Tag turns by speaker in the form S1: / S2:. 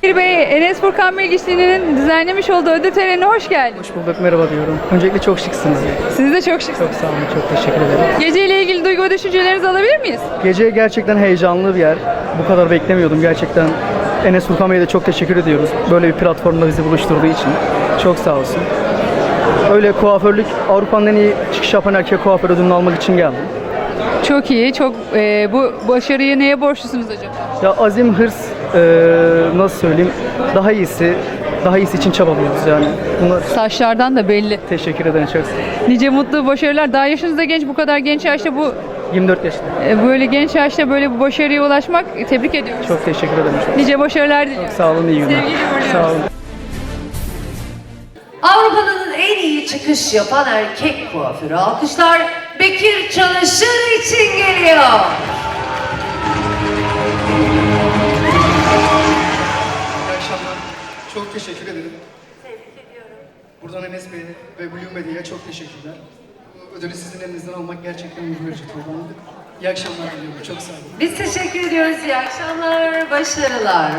S1: Bekir Bey, Enes Furkan Bilgiçli'nin düzenlemiş olduğu ödül törenine hoş geldiniz.
S2: Hoş bulduk, merhaba diyorum. Öncelikle çok şıksınız.
S1: Siz de çok şıksınız.
S2: Çok sağ olun, çok teşekkür ederim.
S1: Geceyle ilgili duygu ve düşüncelerinizi alabilir miyiz?
S2: Gece gerçekten heyecanlı bir yer. Bu kadar beklemiyordum gerçekten. Enes Furkan Bey'e de çok teşekkür ediyoruz. Böyle bir platformda bizi buluşturduğu için. Çok sağ olsun. Öyle kuaförlük, Avrupa'nın en iyi çıkış yapan erkek kuaför ödülünü almak için geldim.
S1: Çok iyi, çok bu başarıyı neye borçlusunuz acaba?
S2: Ya azim, hırs, nasıl söyleyeyim, daha iyisi için çabalıyoruz yani. Bunlar
S1: Saçlardan da belli.
S2: teşekkür ederim, çok sağ olun.
S1: Nice mutlu başarılar. Daha yaşınız da genç, bu kadar genç yaşta
S2: 24 yaşında.
S1: böyle genç yaşta böyle bu başarıya ulaşmak tebrik ediyoruz.
S2: Çok teşekkür ederim.
S1: Nice başarılar diliyorum.
S2: Sağ olun, iyi günler.
S1: Sevgiyle uğurluyoruz.
S2: Sağ olun.
S3: Avrupa'nın en iyi çıkış yapan erkek kuaförü alkışlar Bekir Çalışır için geliyor.
S2: İyi akşamlar. Çok teşekkür ederim. Tebrik ediyorum. Buradan Enes Bey'e ve Blue Medya'ya çok teşekkürler. Bu ödülü sizin elinizden almak gerçekten gurur verici oldu. İyi akşamlar diliyorum. Çok sağ olun.
S3: Biz teşekkür ediyoruz. İyi akşamlar, başarılar.